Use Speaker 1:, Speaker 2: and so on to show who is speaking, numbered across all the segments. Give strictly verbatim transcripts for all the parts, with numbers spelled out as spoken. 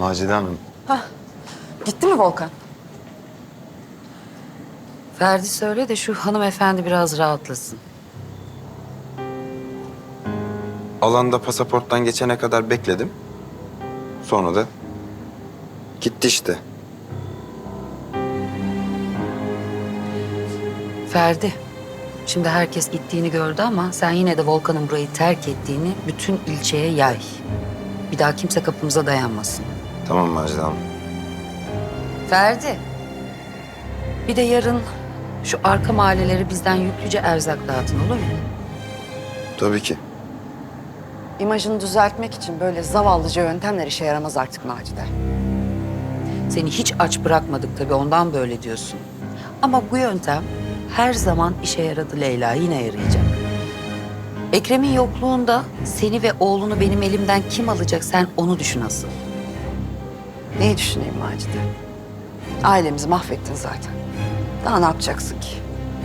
Speaker 1: Macide Hanım.
Speaker 2: Hah. Gitti mi Volkan?
Speaker 3: Ferdi söyle de şu hanımefendi biraz rahatlasın.
Speaker 1: Alanda pasaporttan geçene kadar bekledim. Sonra da gitti işte.
Speaker 3: Ferdi, şimdi herkes gittiğini gördü ama sen yine de Volkan'ın burayı terk ettiğini bütün ilçeye yay. Bir daha kimse kapımıza dayanmasın.
Speaker 1: Tamam Macide Hanım.
Speaker 3: Ferdi, bir de yarın şu arka mahalleleri bizden yüklüce erzak dağıtın, olur mu?
Speaker 1: Tabii ki.
Speaker 2: İmajını düzeltmek için böyle zavallıca yöntemler işe yaramaz artık Macide.
Speaker 3: Seni hiç aç bırakmadık tabii, ondan böyle diyorsun. Ama bu yöntem her zaman işe yaradı Leyla, yine yarayacak. Ekrem'in yokluğunda seni ve oğlunu benim elimden kim alacak, sen onu düşün asıl.
Speaker 2: Neyi düşüneyim Macide? Ailemizi mahvettin zaten. Daha ne yapacaksın ki?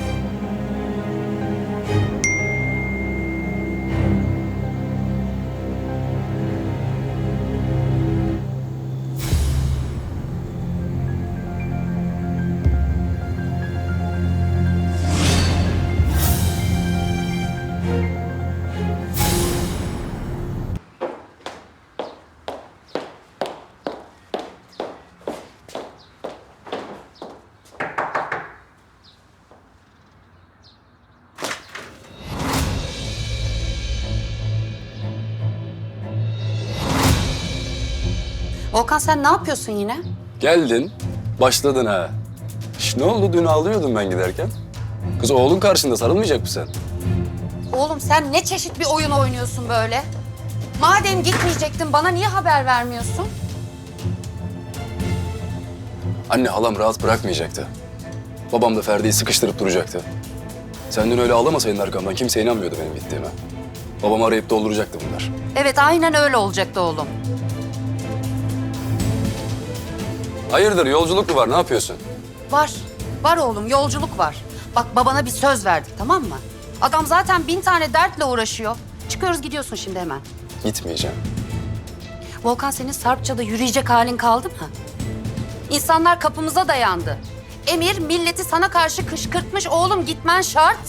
Speaker 3: Volkan, sen ne yapıyorsun yine?
Speaker 4: Geldin, başladın ha. Şş, ne oldu? Dün ağlıyordum ben giderken. Kız oğlun karşında sarılmayacak mısın sen?
Speaker 3: Oğlum sen ne çeşit bir oyun oynuyorsun böyle? Madem gitmeyecektin bana niye haber vermiyorsun?
Speaker 4: Anne halam rahat bırakmayacaktı. Babam da Ferdi'yi sıkıştırıp duracaktı. Sen dün öyle ağlamasaydın arkamdan kimse inanmıyordu benim gittiğime. Babamı arayıp dolduracaktı bunlar.
Speaker 3: Evet, aynen öyle olacaktı oğlum.
Speaker 4: Hayırdır, yolculuk mu var? Ne yapıyorsun?
Speaker 3: Var, var oğlum, yolculuk var. Bak babana bir söz verdik, tamam mı? Adam zaten bin tane dertle uğraşıyor. Çıkıyoruz, gidiyorsun şimdi hemen.
Speaker 4: Gitmeyeceğim.
Speaker 3: Volkan, senin Sarpça'da yürüyecek halin kaldı mı? İnsanlar kapımıza dayandı. Emir milleti sana karşı kışkırtmış, oğlum gitmen şart.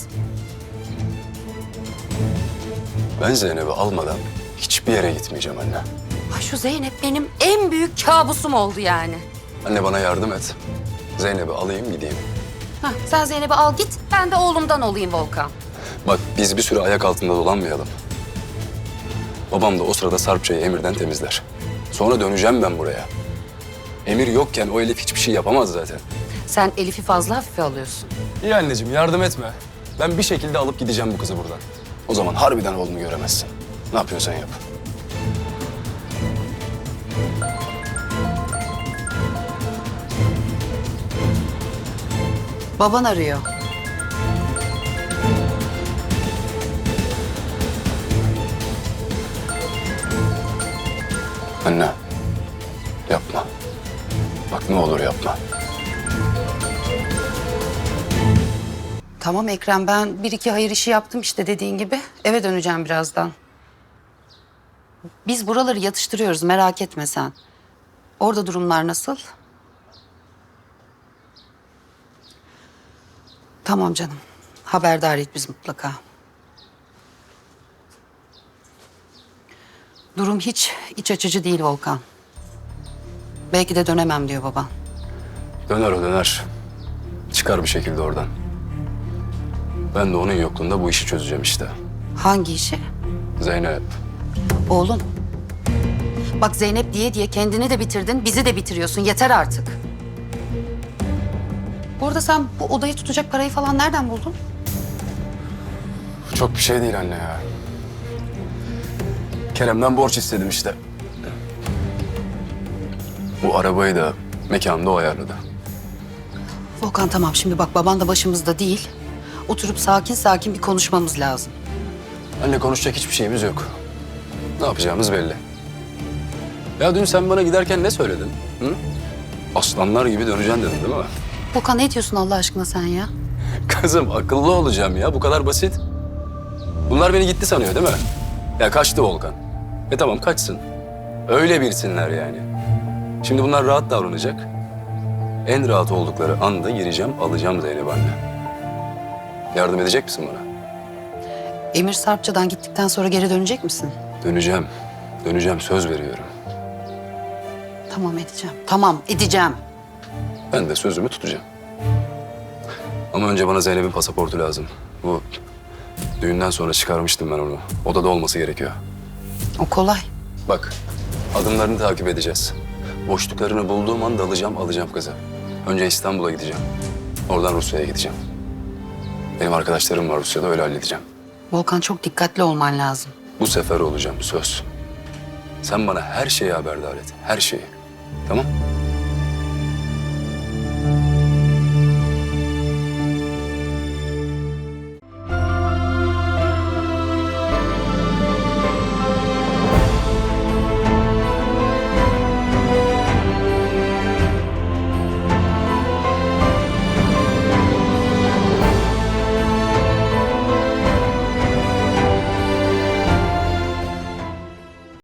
Speaker 4: Ben Zeynep'i almadan hiçbir yere gitmeyeceğim anne.
Speaker 3: Ay şu Zeynep benim en büyük kabusum oldu yani.
Speaker 4: Anne bana yardım et. Zeynep'i alayım gideyim.
Speaker 3: Hah, sen Zeynep'i al git, ben de oğlumdan olayım Volkan.
Speaker 4: Bak biz bir süre ayak altında dolanmayalım. Babam da o sırada Sarpça'yı Emir'den temizler. Sonra döneceğim ben buraya. Emir yokken o Elif hiçbir şey yapamaz zaten.
Speaker 3: Sen Elif'i fazla hafife alıyorsun.
Speaker 4: İyi anneciğim yardım etme. Ben bir şekilde alıp gideceğim bu kızı buradan. O zaman harbiden oğlunu göremezsin. Ne yapıyorsan yap.
Speaker 3: Baban arıyor.
Speaker 4: Anne yapma. Bak ne olur yapma.
Speaker 3: Tamam Ekrem, ben bir iki hayır işi yaptım işte dediğin gibi. Eve döneceğim birazdan. Biz buraları yatıştırıyoruz, merak etme sen. Orada durumlar nasıl? Tamam canım. Haberdar et biz mutlaka. Durum hiç iç açıcı değil Volkan. Belki de dönemem diyor baban.
Speaker 4: Döner o döner. Çıkar bir şekilde oradan. Ben de onun yokluğunda bu işi çözeceğim işte.
Speaker 3: Hangi işi?
Speaker 4: Zeynep.
Speaker 3: Oğlum. Bak Zeynep diye diye kendini de bitirdin, bizi de bitiriyorsun. Yeter artık. Bu arada sen bu odayı tutacak parayı falan nereden buldun?
Speaker 4: Çok bir şey değil anne ya. Kerem'den borç istedim işte. Bu arabayı da mekanda o ayarladı.
Speaker 3: Volkan tamam, şimdi bak baban da başımızda değil. Oturup sakin sakin bir konuşmamız lazım.
Speaker 4: Anne konuşacak hiçbir şeyimiz yok. Ne yapacağımız belli. Ya dün sen bana giderken ne söyledin? Hı? Aslanlar gibi döneceksin dedin değil mi?
Speaker 3: Volkan ne diyorsun Allah aşkına sen ya?
Speaker 4: Kızım akıllı olacağım ya. Bu kadar basit. Bunlar beni gitti sanıyor değil mi? Ya kaçtı Volkan. E tamam kaçsın. Öyle bilsinler yani. Şimdi bunlar rahat davranacak. En rahat oldukları anda gireceğim, alacağım Zeynep anne. Yardım edecek misin bana?
Speaker 3: Emir Sarpça'dan gittikten sonra geri dönecek misin?
Speaker 4: Döneceğim. Döneceğim, söz veriyorum.
Speaker 3: Tamam edeceğim. Tamam edeceğim.
Speaker 4: Ben de sözümü tutacağım. Ama önce bana Zeynep'in pasaportu lazım. Bu düğünden sonra çıkarmıştım ben onu. Odada olması gerekiyor.
Speaker 3: O kolay.
Speaker 4: Bak, adımlarını takip edeceğiz. Boşluklarını bulduğum anda alacağım, alacağım kızı. Önce İstanbul'a gideceğim. Oradan Rusya'ya gideceğim. Benim arkadaşlarım var Rusya'da, öyle halledeceğim.
Speaker 3: Volkan çok dikkatli olman lazım.
Speaker 4: Bu sefer olacağım, söz. Sen bana her şeyi haberdar et, her şeyi. Tamam?